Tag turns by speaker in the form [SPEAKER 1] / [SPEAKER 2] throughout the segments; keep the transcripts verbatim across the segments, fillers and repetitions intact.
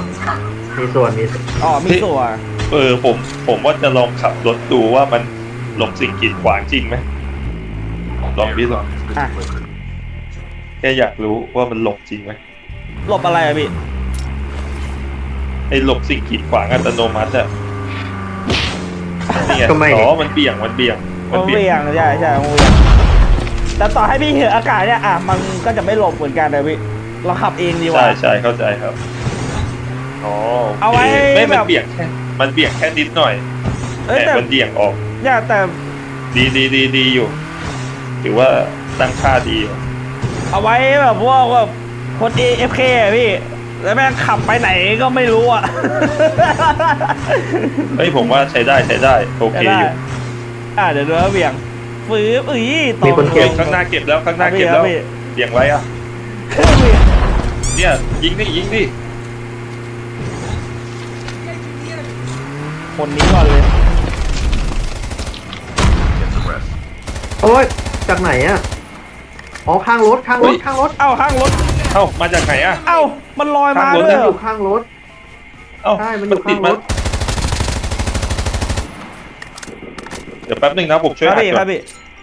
[SPEAKER 1] มีส่วนมี
[SPEAKER 2] อ๋อมีส่วน
[SPEAKER 3] เออผมผมว่าจะลองขับรถดูว่ามันหลบสิ่งกีดขวางจริงไหมลองพี่ลองแค่อยากรู้ว่ามันหลบจริงไหม
[SPEAKER 2] หลบอะไรอะพี่
[SPEAKER 3] ไอ้หลบสิ่งกีดขวางอัตโนมัติอะนี่ไงอ๋อมันเบี่ยงมันเบี่ยง
[SPEAKER 2] มันเบี่ยงใช่ใช่มันเบี่ยงแต่ต่อให้พี่เห็นอากาศเนี่ยอ่ะมันก็จะไม่หลบเหมือนกันเลยพี่เราขับเองดีกว่า
[SPEAKER 3] ใช่ใช่เข้าใจครับอ๋อ
[SPEAKER 2] เอาไว้
[SPEAKER 3] ไม่มันเบี่ยงแค่มันเบี่ยงแค่นิดหน่อยแต่มันเบี่ยงออก
[SPEAKER 2] อย่าแต่
[SPEAKER 3] ดีดีดีดีอยู่ถือว่าตั้งค่าดีอยู่
[SPEAKER 2] เอาไว้แบบพวกว่าคน เอ เอฟ เค อ่ะพี่แล้วแม่งขับไปไหนก็ไม่รู้อ่ะ
[SPEAKER 3] เฮ้ยผมว่าใช้ได้ใช้ได้โอเคอยู่
[SPEAKER 2] อ่ะเดี๋ยวดูเบี่ยงฟื้นอุ้ย
[SPEAKER 3] ตรงเก็บข้างหน้าเก็บแล้วข้างหน้าเก็บแล้วเบี่ยงไว้อ่ะเนี่ยยิงดิยิงดิ
[SPEAKER 2] คนนี้ก่อนเลย
[SPEAKER 1] โอ้ยจากไหนอ่ะอ๋อข้างรถข้างรถข้างรถ
[SPEAKER 2] เอ้าข้างรถ
[SPEAKER 3] เอ้ามาจากไหนอ่ะ
[SPEAKER 2] เอ้ามันลอยมาด้วย
[SPEAKER 1] อยู่ข้างรถ
[SPEAKER 3] เอ้า
[SPEAKER 1] ใช่มันอยู่ข้างรถ
[SPEAKER 3] เดี๋ยวแป๊บนึงนะผมช่วย
[SPEAKER 2] อ่านก่อน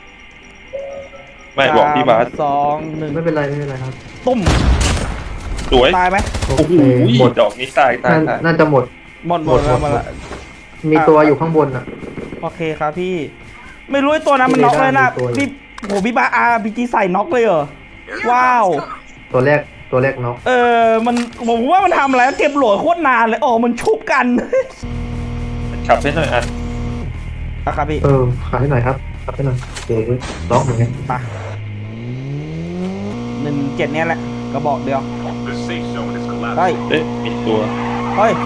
[SPEAKER 3] ไม่บอกพี่บาส
[SPEAKER 2] สองหนึ่ง
[SPEAKER 1] ไม่เป็นไรไม่เป็นไรครับ
[SPEAKER 2] ตุ้ม
[SPEAKER 3] สวย
[SPEAKER 2] ตายไหม
[SPEAKER 3] โอ้โหหมดดอกนี้ตายตาย
[SPEAKER 1] น่าจะหมด
[SPEAKER 2] หมดหมดหมด
[SPEAKER 1] มีตัวอยู่ข้างบนอ่ะ
[SPEAKER 2] โอเคครับพี่ไม่รู้ไอ้ตัวนั้นมันน็อกเลยนะพี่โหพี่บาอาร์พีจีใส่น็อกเลยเหรอว้าว
[SPEAKER 1] ตัวแรกตัวแรกน็อก
[SPEAKER 2] เออมันผมว่ามันทำอะไรเก็บโหลดโคตรนานเลยอ๋อมันชุบกัน
[SPEAKER 3] ขับให้หน่อยอ่ะ
[SPEAKER 2] ครับพี่
[SPEAKER 1] เออขับให้หน่อยครับขับให้หน่อยเดี๋ยวล็อกเหมือนกัน
[SPEAKER 2] ไปหนึ่งเจ็ดเนี้ยแหละกระบอกเดียวเฮ้ย
[SPEAKER 3] เอ๊ะมีตัว
[SPEAKER 2] เฮ้ย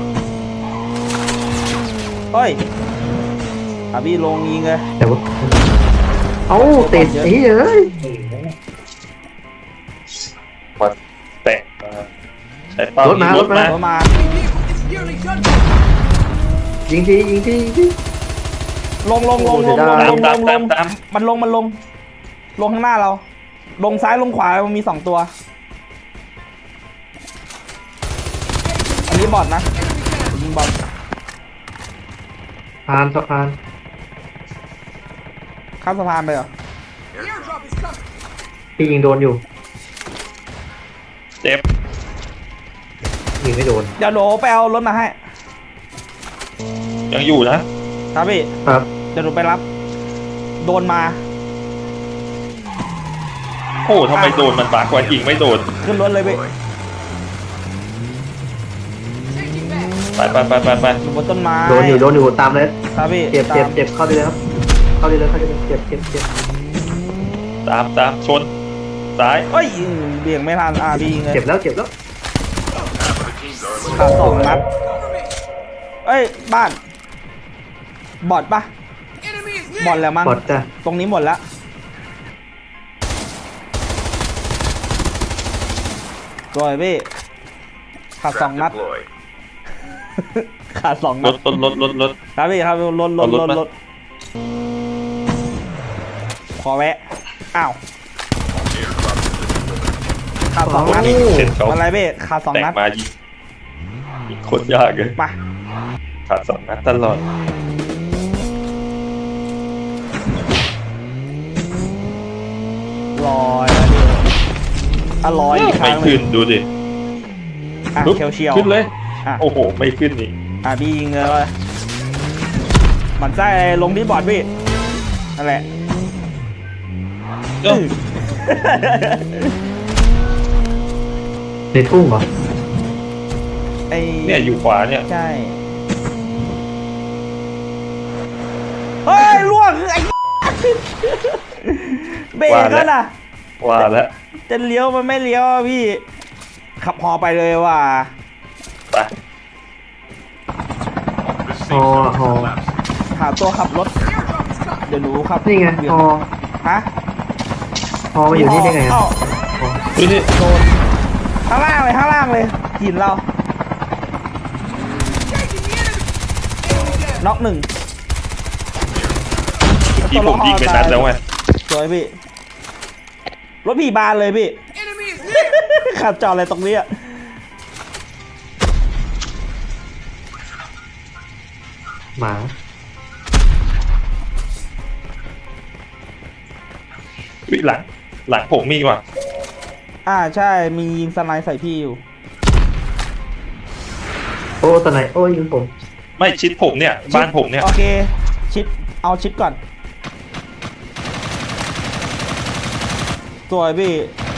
[SPEAKER 2] เฮ้ยอาพี่ลงยิงเลย
[SPEAKER 1] แต่ว่าเอ้าติดไอ้เอ้ย
[SPEAKER 3] มาแตะมาใช้ปั๊มรถมารถมารถมา
[SPEAKER 1] ยิงทียิงทียิงที
[SPEAKER 2] ลงลงลงลงลงลงลงลงมันลงมันลงลงข้างหน้าเราลงซ้ายลงขวามันมีสองตัวอันนี้บอทนะยิงบอท
[SPEAKER 1] ผ่านสะพาน
[SPEAKER 2] ข้ามสะพานไปเหรอ
[SPEAKER 1] พี่ยิงโดนอยู่
[SPEAKER 3] เจ็บ
[SPEAKER 1] ยิงไม่โดน
[SPEAKER 2] เดี๋ยวโดไปเอารถมาให้
[SPEAKER 3] ยังอยู่นะครับ
[SPEAKER 2] พี่
[SPEAKER 1] ครับ
[SPEAKER 2] เดี๋ยวโดไปรับโดนมา
[SPEAKER 3] โอ้ทำไมโดนมันบากกว่ายิงไม่โดน
[SPEAKER 2] ขึ้นรถเลยพี่
[SPEAKER 3] ไปไปไปไปไป
[SPEAKER 2] บนต้นไม้
[SPEAKER 1] โดนอยู่โดนอยู่ตามเลย
[SPEAKER 2] ครับพี่
[SPEAKER 1] เจ็บเจ็บเจ็บเข้าไปเลยครับเข้าไปเลยเข้าไปเลยเจ็บเจ็บเจ็บ
[SPEAKER 3] ตามตามชนซ้าย
[SPEAKER 2] เอ้ยเบี่ยงไม่ทันอ่ะพี่
[SPEAKER 1] เจ็บแล้วเจ็บแล้ว
[SPEAKER 2] ขาสองนัดเอ้ยบ้านบอดปะบอดแล้วมั้ง
[SPEAKER 1] บอดจ้ะ
[SPEAKER 2] ตรงนี้หมดแล้วรอยพี่ขาสองนัดขาสองนัด
[SPEAKER 3] รถรถรถรถ
[SPEAKER 2] ครับพี่ครับรถรถรถรถขอแวะอ้าวขาสองนัดอะไรพี่ขาสองนัด
[SPEAKER 3] มายิงโคตรยากเลย
[SPEAKER 2] มา
[SPEAKER 3] ขาสองนัดตลอด
[SPEAKER 2] ลอยแล้วดิอร่อยอีกครั้ง
[SPEAKER 3] ไม่ขึ้นดูดิ
[SPEAKER 2] อ่ะเชียวเชียว
[SPEAKER 3] ขึ้นเลยโอ้โหไม่ขึ้นนี่
[SPEAKER 2] อ่ะพี่ยิงเลยมันใส่ลงที่บอร์ดพี่นั่นแหละ
[SPEAKER 1] ในทุ่งเหรอ
[SPEAKER 2] ไอ
[SPEAKER 3] เนี่ยอยู่ขวาเนี่ย
[SPEAKER 2] ใช่เฮ้ยล่วงไอ้เบรกแล้วนะ
[SPEAKER 3] ว่าแล้ว
[SPEAKER 2] จะเลี้ยวมันไม่เลี้ยวพี่ขับฮอไปเลยว่ะ
[SPEAKER 3] ไป
[SPEAKER 1] ฮอฮอ
[SPEAKER 2] หาตัวขับรถเดี๋ยวหนูขับ
[SPEAKER 1] นี่ไงฮอ
[SPEAKER 2] ฮะ
[SPEAKER 1] ฮอมาอยู่นี่ได้ไง
[SPEAKER 3] ดูนี่
[SPEAKER 2] โดนข้างล่างเลยข้างล่างเลยกินเราน็อกหนึ่ง
[SPEAKER 3] ที่ผมยิงไปนัดแล้วไง
[SPEAKER 2] สวยพี่รถพี่บานเลยพี่ขับจอดอะไรตรงนี้
[SPEAKER 1] หมา
[SPEAKER 3] วิหลังหลังผมมีว่ะ
[SPEAKER 2] อ่าใช่มียิงสไนด์ใส่พี่อยู่
[SPEAKER 1] โอ้ตอนไหนโอ้ยยิงผม
[SPEAKER 3] ไม่ชิดผมเนี่ยบ้านผมเนี่ย
[SPEAKER 2] โอเคชิดเอาชิดก่อนสวยพี่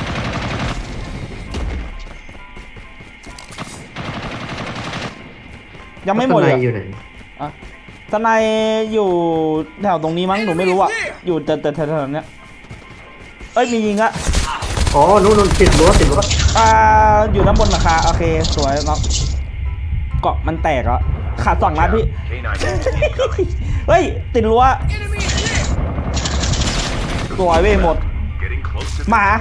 [SPEAKER 2] ยังไม่หมดเลย
[SPEAKER 1] ข้างในอยู่ไหน
[SPEAKER 2] อ่ะสไนด์อยู่แถวตรงนี้มั้งหนูไม่รู้อ่ะอยู่แต่แต่แถวๆเนี้ยเอ้ยมียิงอะ
[SPEAKER 1] อ๋อนู่นนู่นติดรั้วติดรั้ว
[SPEAKER 2] อ่าอยู่ด้านบนหลังคาโอเคสวยเนาะเกาะมันแตกอ่ะขาดสองนัดพี่ เฮ้ยติดรั้วสวยเว้ยหมดหมา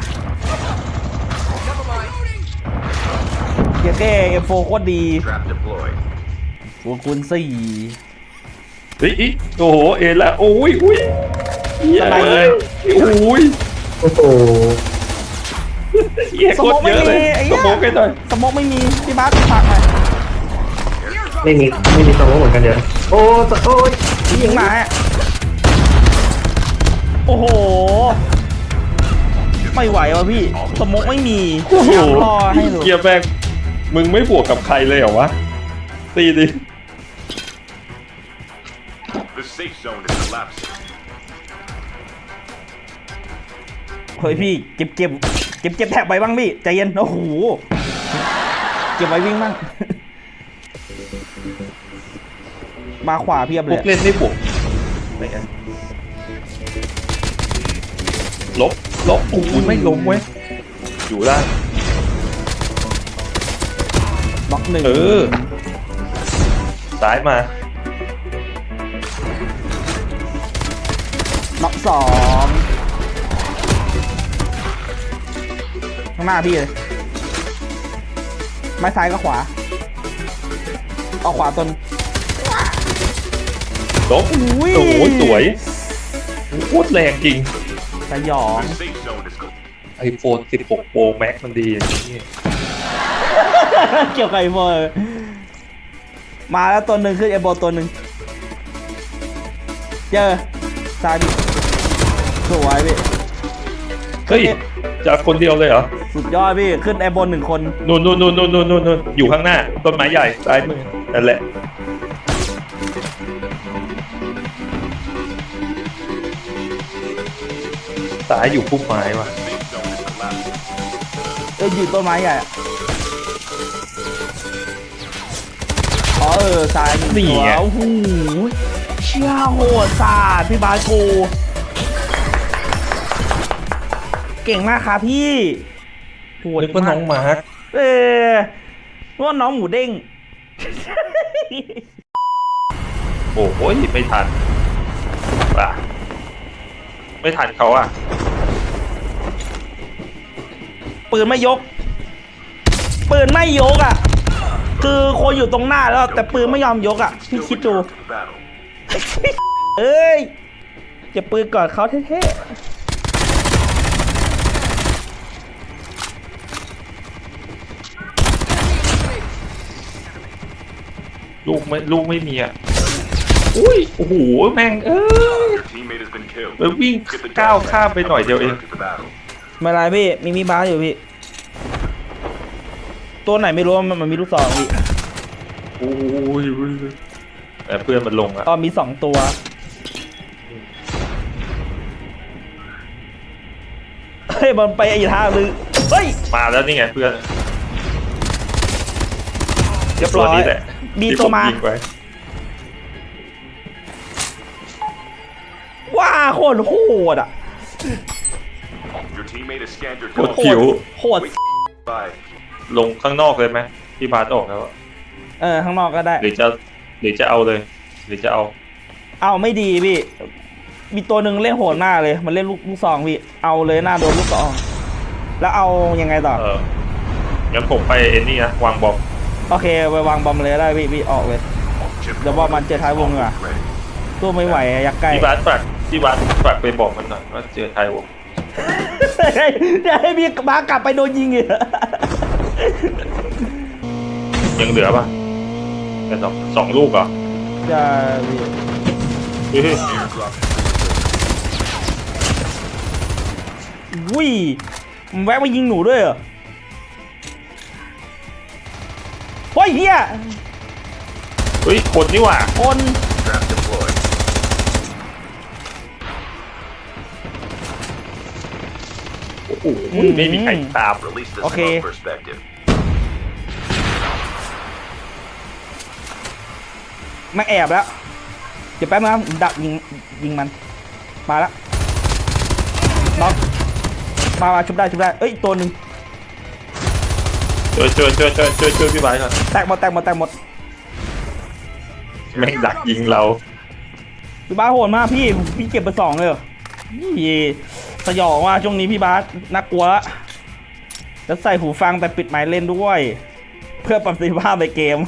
[SPEAKER 2] เกียร์เก้เอฟโฟโคตรดีหัวคูณสี่
[SPEAKER 3] เฮ้ยอิโอ้โหเอ็นละโอ้ยอุ้ยเหี้ย
[SPEAKER 2] อะไร
[SPEAKER 3] เลยโอ้ย
[SPEAKER 1] โอ้โห
[SPEAKER 3] เหี้ยโคตรเยอะเลยสมองกันหน่อย
[SPEAKER 2] สมองไม่มีพี่บาสฝากหน่อย
[SPEAKER 1] ไม่มีไม่มีสมองเหมือนกันเดี๋ยวโอ้ตโอ้ย
[SPEAKER 2] ยิงหมาอะโอ้โหไม่ไหวว่ะพี่สมองไม่มี
[SPEAKER 3] โอ้โห
[SPEAKER 2] ยังรอให้หนู
[SPEAKER 3] เกียร์แบงมึงไม่บวกกับใครเลยเหรอวะตีดิ
[SPEAKER 4] The safe zone is collapsing.
[SPEAKER 2] เฮ้ยพี่เก็บเก็บเก็บเก็บแท็บไว้บ้างพี่ใจเย็นโอ้โหเก็บไว้วิ่งบ้าง มาขวาเพียบ
[SPEAKER 3] พ
[SPEAKER 2] เล
[SPEAKER 3] วย กเล่นไม่บวกไหนกันลบลบโอ้ยไม่ล้มเว้ยอยู่ได้
[SPEAKER 2] บล็อกหนึ่ง
[SPEAKER 3] เออซ้ายมา
[SPEAKER 2] บล็อกสองข้างหน้าพี่เลยไม้ซ้ายก็ขวาเอาขวาตน
[SPEAKER 3] ลบ
[SPEAKER 2] อุ้ย
[SPEAKER 3] โอ้โหสวยโคตรแรงจริง
[SPEAKER 2] สยอง
[SPEAKER 4] The safe zone is collapsing.
[SPEAKER 3] ไอโฟนสิบหก Pro Max มันดีอย่างนี้
[SPEAKER 2] เกี่ยวกับไอโฟนมาแล้วตัวหนึ่งขึ้นไอโบตัวหนึ่งเจอซ้ายพี่สวยพี่
[SPEAKER 3] เฮ้ยจากคนเดียวเลยเหรอ
[SPEAKER 2] สุดยอดพี่ขึ้นไอโบหนึ่งคน
[SPEAKER 3] นู่นนู่นนู่นนู่นนู่นนู่นอยู่ข้างหน้าต้นไม้ใหญ่ซ้ายมือนั่นแหละซ้ายอยู่พุ่มไม้ว่ะ
[SPEAKER 4] Safe zone is collapsing.
[SPEAKER 2] เอออยู่ต้นไม้ใหญ่อะอ๋อเออซ้ายหนึ่งตัวโอ้โหเชี่ยโหดสาดพี่บาสกูเก่งมากครับพี่โหด
[SPEAKER 3] นึกว่าน้องมาร์ค
[SPEAKER 2] เออนึกว่าน้องหมูเด้ง
[SPEAKER 3] โอ้โหไม่ทันป่ะไม่ทันเขาอ่ะ
[SPEAKER 2] ปืนไม่ยก ปืนไม่ยกอ่ะ คือคนอยู่ตรงหน้าแล้วแต่ปืนไม่ยอมยกอ่ะ พี่
[SPEAKER 4] Still
[SPEAKER 2] คิดดู
[SPEAKER 4] return to the battle.
[SPEAKER 2] เอ้ยเก็บปืนก่อนเขาเท่ๆ
[SPEAKER 3] ลูกไม่ลูกไม่มีอ่ะอุ้ยโอ้โหแม่งเอ้ย
[SPEAKER 4] Your teammate has been killed.
[SPEAKER 3] ไปวิ่ง
[SPEAKER 4] Get the
[SPEAKER 3] ก้าว
[SPEAKER 4] gas
[SPEAKER 3] ข้าม
[SPEAKER 4] mask
[SPEAKER 3] ไปหน่อยเดียวเอง
[SPEAKER 4] and return to the battle.
[SPEAKER 2] ไม่ไรพี่มีมีบาสอยู่พี่ ตัวไหนไม่รู้มันมันมีลูกศรพี่
[SPEAKER 3] โอ้ยแต่เพื่อนมันลงอ่ะ
[SPEAKER 2] อ๋อมีสองตัว เฮ้ยมันไปอีกทางนึงเฮ้ย
[SPEAKER 3] มาแล้วนี่ไงเพื่อน
[SPEAKER 2] เรียบร้อย
[SPEAKER 3] นี่แหละ
[SPEAKER 2] มี
[SPEAKER 3] ที่
[SPEAKER 2] ตัวมา
[SPEAKER 3] ผยิงไว้
[SPEAKER 2] ว้าโคตรโหดอ่ะ
[SPEAKER 4] Your teammate has scanned your
[SPEAKER 3] โคตร
[SPEAKER 4] code.
[SPEAKER 3] ผิว
[SPEAKER 2] โหด
[SPEAKER 4] Five.
[SPEAKER 3] ลงข้างนอกเลยไหมพี่บาสออกแล้วอะ
[SPEAKER 2] เออข้างนอกก็ได้
[SPEAKER 3] หรือจะหรือจะเอาเลย หรือจะเอา
[SPEAKER 2] เอาไม่ดีพี่ มีตัวหนึ่งเล่นโหดหน้าเลย มันเล่นลูกลูกซองพี่ เอาเลยหน้าโดนลูกซอง แล้วเอายังไงต่อ
[SPEAKER 3] เอองั้นผมไปเอ็นนี่นะวางบอม
[SPEAKER 2] โอเคไปวางบอมเลยได้พี่พี่ออกเลย
[SPEAKER 4] Chip
[SPEAKER 2] เดี๋ยวบอกมันเจอท้ายวงอ่ะ
[SPEAKER 4] ready.
[SPEAKER 2] ตัวไม่ไหวอะยักษ์ใกล้
[SPEAKER 3] พี่บาสฝากพี่บาสฝากไปบอกมันหน่อยว่าเจอไทยวง
[SPEAKER 2] เดี๋ยวให้พี่มากลับไปโดนยิงอีก
[SPEAKER 3] ยังเหลือป่ะแต่สองสองลูกเหรอ
[SPEAKER 2] จะพี่
[SPEAKER 3] เฮ้ย
[SPEAKER 4] Airdrop.
[SPEAKER 2] อุ้ยมันแวะมายิงหนูด้วยเหรอเฮ้ยเฮีย
[SPEAKER 3] เฮ้ยคนนี่หว่า
[SPEAKER 2] คน
[SPEAKER 4] Trap deployed.
[SPEAKER 3] โอ้โหไม่มีใครตาม
[SPEAKER 4] Release the
[SPEAKER 2] Okay.
[SPEAKER 4] smoke perspective.
[SPEAKER 2] มันแอบแล้วเดี๋ยวแป๊บนึงนะผมดักยิงยิงมันมาแล้วน็อกมามาชุบได้ชุบได้เอ้ยอีกตัวหนึ่ง
[SPEAKER 3] ช่วยช่วยช่วยช่วยช่วยช่วยพี่ไบร์ทก่อน
[SPEAKER 2] แตกหมดแตกหมดแตกหมด
[SPEAKER 3] แม่งดักยิงเรา
[SPEAKER 2] พี่บาสโหดมากพี่พี่เก็บไปสองเลยเหรอนี่สยองว่าช่วงนี้พี่บาสน่ากลัวละแล้วใส่หูฟังแต่ปิดไมค์เล่นด้วย เพื่อประสิทธิภาพในเกม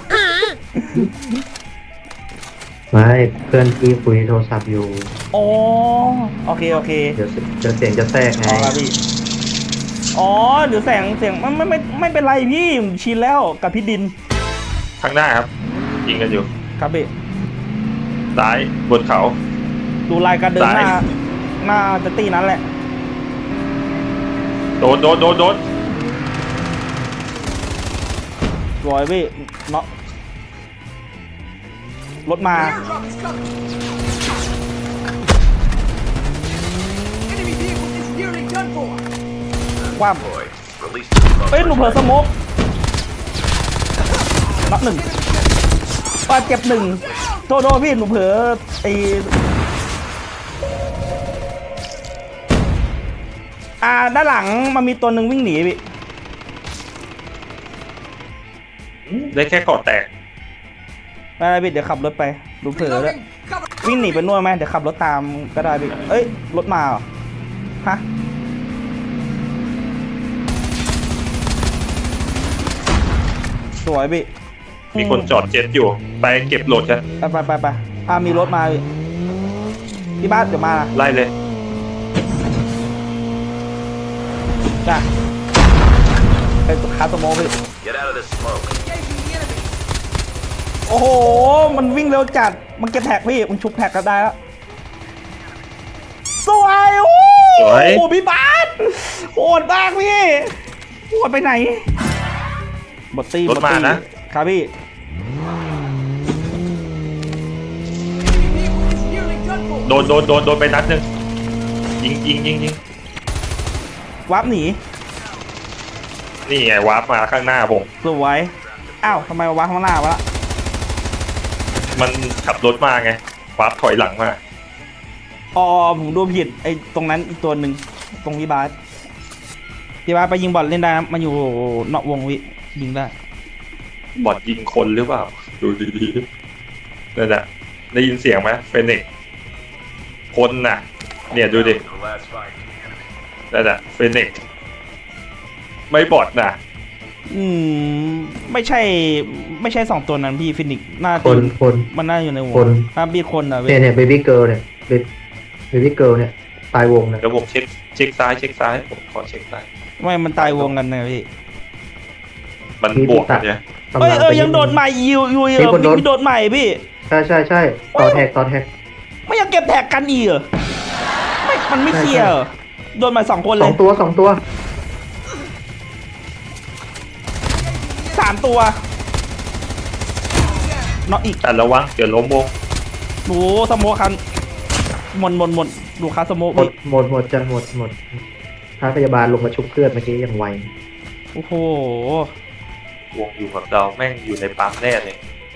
[SPEAKER 1] ไม่เพื่อนพี่คุยโทรศัพท์อยู่
[SPEAKER 2] อ๋อโอเคโอเค
[SPEAKER 1] เดี๋ยวเสียเดี๋ยวเสียงจะแทรกไง
[SPEAKER 2] อ๋อครับพี่อ๋อหรือแสงเสียงมันไม่ไม่ไม่เป็นไรพี่ผมชินแล้วกับพี่ดิน
[SPEAKER 3] ข้างหน้าครับ ยิงกันอยู่
[SPEAKER 2] ครับพี่
[SPEAKER 3] ซ้ายบนเขา
[SPEAKER 2] ดูลายการเดินหน้า
[SPEAKER 3] ซ้าย
[SPEAKER 2] หน้าจะตีนั้นแหละ
[SPEAKER 3] โดนโดนโดนโดน
[SPEAKER 2] รอยพี่เนาะรถมา
[SPEAKER 5] Airdrop is coming. Enemy vehicle is nearly done for.
[SPEAKER 2] คว่
[SPEAKER 4] Deployed. Release the smoke
[SPEAKER 2] ำเอ้ยหนูเผลอส
[SPEAKER 4] perspective.
[SPEAKER 2] โมกน็อกหนึ่งปาเจ็บหนึ่งโทษโทษพี่หนูเผลอไออ่าด้านหลังมันมีตัวหนึ่งวิ่งหนีพี่
[SPEAKER 3] ได้แค่เกาะแตก
[SPEAKER 2] ไม่ได้พี่เดี๋ยวขับรถไปหนูเผลอแล้ว
[SPEAKER 5] Reloading. Cover.
[SPEAKER 2] วิ่งหนีไปนู่นไหมเดี๋ยวขับรถตามก็ได้พี่เอ้ยรถมาเหรอฮะสวยพี่
[SPEAKER 3] มีคนจอดเจ็ตอยู่ ไปเก็บโหลดกัน
[SPEAKER 2] ไปไปไปไปอ่ามีรถมาพี่ที่บ้านเดี๋ยวมานะ
[SPEAKER 3] ไล่เลย
[SPEAKER 2] จ้ะไปคาสโมกพี่
[SPEAKER 4] Get out of this smoke.
[SPEAKER 5] Engaging the enemy.
[SPEAKER 2] โอ้โห มันวิ่งเร็วจัด มันเก็บแท็กพี่ มันชุบแท็กก็ได้แล้ว สวยโอ้
[SPEAKER 3] สวย
[SPEAKER 2] โหพี่บาสโหดมากพี่โหดไปไหนบอตตี้
[SPEAKER 3] รถมานะ
[SPEAKER 2] ครับพี่
[SPEAKER 5] Enemy vehicle is nearly done for.
[SPEAKER 3] โดนโดนโดนโดนไปนัดหนึ่งยิงยิงยิงยิง
[SPEAKER 2] วับหนี
[SPEAKER 3] นี่ไงวาร์ปมาข้างหน้าผม
[SPEAKER 2] สวย อ้าวทำไมมาวับข้างหน้าวะ
[SPEAKER 3] มันขับรถมาไงวาร์ปถอยหลังมา
[SPEAKER 2] อ๋อผมดูผิดไอ้ตรงนั้นอีกตัวหนึ่งตรงพี่บาสพี่บาสไปยิงบอลเล่นได้นะมันอยู่นอกวงวิยิงได้
[SPEAKER 3] บอดยิงคนหรือเปล่า ดูดีๆนั่นแหละได้ยินเสียงไหมเฟนิกซ์คนน่ะ เนี่ยดูดิ
[SPEAKER 4] The last fight.
[SPEAKER 3] นั่นแหละเฟนิกซ์ไม่บอดน่ะ
[SPEAKER 2] อืมไม่ใช่ ไม่ใช่สองตัวนั้นพี่ฟินิกซ์น่าจะ
[SPEAKER 1] คนคน
[SPEAKER 2] มันน่าอยู่ในวง
[SPEAKER 1] คน
[SPEAKER 2] น่ามีคนอ่ะเว้
[SPEAKER 1] เนี่ย
[SPEAKER 2] ย
[SPEAKER 1] เนี่ยเบบี้เกิร์ลเนี่ยเบบี้เกิร์ลเนี่ยตายวงเนี่ย
[SPEAKER 3] เดี๋ยวผมเช็คเช็คซ้ายเช็คซ้ายผมขอเช็คซ้าย
[SPEAKER 2] ไม่มันตายวงกันนะพี่
[SPEAKER 3] มันบวกกันเนี่ย
[SPEAKER 1] กำลั
[SPEAKER 2] เอ้ยเออ
[SPEAKER 1] ไป
[SPEAKER 2] ยังโดดใหม่อยู่อยู่อยู่
[SPEAKER 1] มีคนโดน
[SPEAKER 2] มีโดดใหม่พี่
[SPEAKER 1] ใช่ใช่ใช่ต่อแท็กต่อแท็ก
[SPEAKER 2] ไม่ยังเก็บแท็กกันอีกเหรอไม่มันไม่เคลียร์เหรอโดนมาสองคน
[SPEAKER 1] ส
[SPEAKER 2] เล
[SPEAKER 1] อย งตัวสองตัว
[SPEAKER 2] สามตัวน็อกอีก
[SPEAKER 3] แต่ระวังเดี๋ยวล้มวง
[SPEAKER 2] โอ้สโมคันหมดหมดหมดดูคาสโม
[SPEAKER 1] หมด
[SPEAKER 2] พี่
[SPEAKER 1] หมดหมดจะหมดหมดท้าพยาบาลลงมาชุบเพื่อนเมื่อกี้อย่างไว
[SPEAKER 2] โอ้โห
[SPEAKER 3] วงอยู่กับเราแม่งอยู่ในปั๊มแน่เลย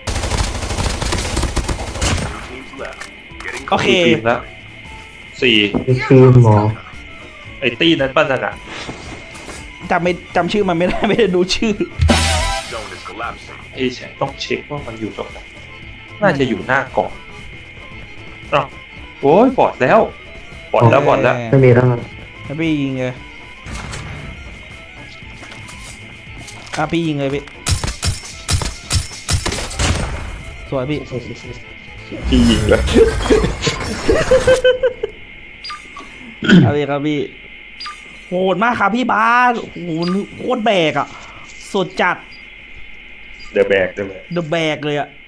[SPEAKER 4] Two teams left. Getting
[SPEAKER 2] โอเค
[SPEAKER 3] สี่ทีมแล้วสี่
[SPEAKER 1] นี่คือหมอ
[SPEAKER 3] ไอ้ตี้นั้นป้านั่นอ่ะ
[SPEAKER 2] จำไม่จำชื่อมันไม่ได้ ไม่ได้ดูชื่อ
[SPEAKER 4] zone is collapsing.
[SPEAKER 3] ไอ้แชมป์ต้องเช็คว่ามันอยู่ตรงไหนน่าจะอยู่หน้าเกาะอ้าวโอ้ยบอดแล้วบอดแล้วบอดแล้ว
[SPEAKER 1] ไม่มีแล้ว
[SPEAKER 2] แล้วพี่ยิงเลยอ่ะพี่ยิงเลยพี่สวยพี่
[SPEAKER 3] พี่ยิงเลย
[SPEAKER 2] เอาเลยครับพี่โหดมากครับพี่บาสโอ้โหโคตรแบกอ่ะสุดจัด
[SPEAKER 3] เดอะแบกเดอะแบก
[SPEAKER 2] เดอะแบกเลยอ่ะ